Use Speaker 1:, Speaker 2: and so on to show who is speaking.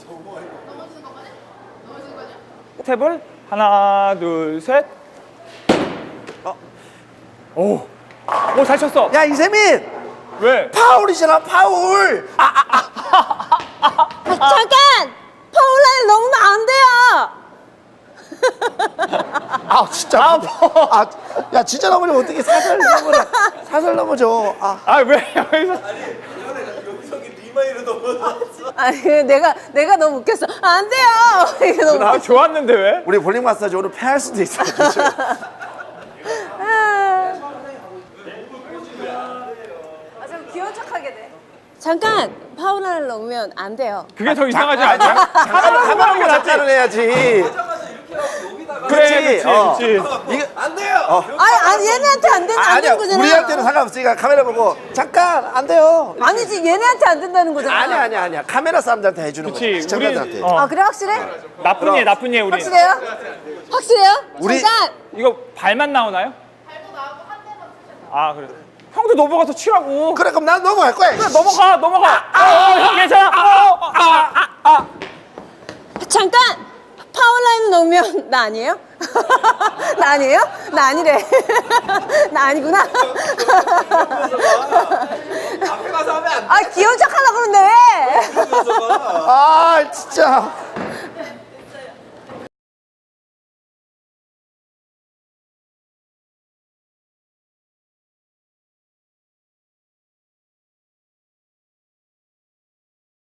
Speaker 1: 스텝을 하나, 둘, 셋. 오, 오, 잘 쳤어.
Speaker 2: 야 이세민
Speaker 1: 왜?
Speaker 2: 파울이잖아 파울.
Speaker 3: 잠깐! 파울라인 넘으면 안 돼요!
Speaker 2: 아 진짜. 야 진짜 넘어지면 어떻게 살살 넘어져? 살살 넘어져.
Speaker 1: 아, 왜 여기서?
Speaker 3: 아니, 내가 너무 웃겼어. 안 돼요! 이게 너무
Speaker 1: 나 좋았는데 왜?
Speaker 2: 우리 볼링 마사지 오늘 패할 수도 있어.
Speaker 3: 좀 귀여운 척하게 돼. 잠깐! 파울라인 넘으면 안 돼요.
Speaker 1: 그게 더 이상하지 않냐?
Speaker 2: 하나 보고 작전을 해야지.
Speaker 1: 그래,
Speaker 2: 어.
Speaker 1: 그렇지.
Speaker 2: 이거
Speaker 4: 안 돼요.
Speaker 3: 아니, 얘네한테 안
Speaker 2: 아니야
Speaker 3: 되는 거잖아.
Speaker 2: 우리한테는 상관없으니까 카메라 보고 잠깐 안 돼요.
Speaker 3: 아니지, 얘네한테 안 된다는 거잖아.
Speaker 2: 아니야 카메라 사람들한테 해주는 거야.
Speaker 1: 그렇지.
Speaker 2: 시청자들한테.
Speaker 3: 아, 그래? 확실해?
Speaker 1: 나쁜 예, 나쁜 예, 우리.
Speaker 3: 확실해요? 확실해요?
Speaker 2: 우리-
Speaker 3: 잠깐!
Speaker 1: 이거 발만 나오나요? 발도 나오고 한 대만 쓰셔서. 아, 그래. 형도 넘어가서 치라고.
Speaker 2: 그래 그럼 난 넘어갈 거야.
Speaker 1: 그래, 넘어가. 형 괜찮아.
Speaker 3: 잠깐! 파울라인 넣으면 나 아니에요? 나 아니에요? 나 아니래. 나 아니구나.
Speaker 4: 앞에 가서 하면 안 돼.
Speaker 3: 아, 귀여운 척 하려고 그러는데 왜?
Speaker 2: 아 진짜.